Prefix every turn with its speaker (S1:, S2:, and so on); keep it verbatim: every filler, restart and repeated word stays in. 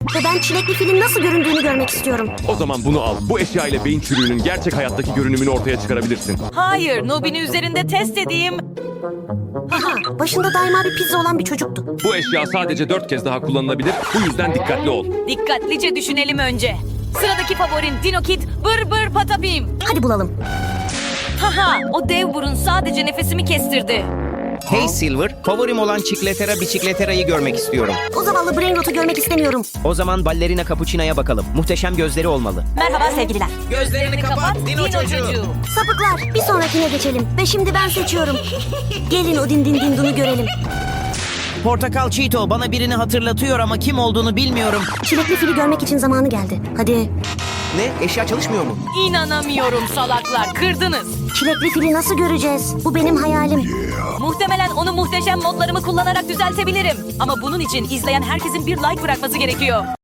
S1: Ve ben çilekli filin nasıl göründüğünü görmek istiyorum.
S2: O zaman bunu al. Bu eşya ile beyin çürüğünün gerçek hayattaki görünümünü ortaya çıkarabilirsin.
S3: Hayır, Nobini üzerinde test edeyim.
S1: Haha, başında daima bir pizza olan bir çocuktu.
S2: Bu eşya sadece dört kez daha kullanılabilir. Bu yüzden dikkatli ol.
S3: Dikkatlice düşünelim önce. Sıradaki favorin Dino Kid Bır Bır Patapim.
S1: Hadi bulalım.
S3: Haha, o dev burun sadece nefesimi kestirdi.
S4: Hey Silver, favorim olan Çikletera Biçikletera'yı görmek istiyorum.
S1: O zavallı Brainrot'u görmek istemiyorum.
S4: O zaman ballerina Capuchina'ya bakalım. Muhteşem gözleri olmalı.
S3: Merhaba sevgililer.
S4: Gözlerini kapat, Dino çocuğu.
S1: Sapıklar, bir sonrakine geçelim. Ve şimdi ben seçiyorum. Gelin o din din din dunu görelim.
S4: Portakal Cheeto bana birini hatırlatıyor ama kim olduğunu bilmiyorum.
S1: Çilekli fili görmek için zamanı geldi. Hadi.
S4: Ne? Eşya çalışmıyor mu?
S3: İnanamıyorum salaklar, kırdınız.
S1: Çilekli fili nasıl göreceğiz? Bu benim hayalim.
S3: Muhtemelen onu muhteşem modlarımı kullanarak düzeltebilirim. Ama bunun için izleyen herkesin bir like bırakması gerekiyor.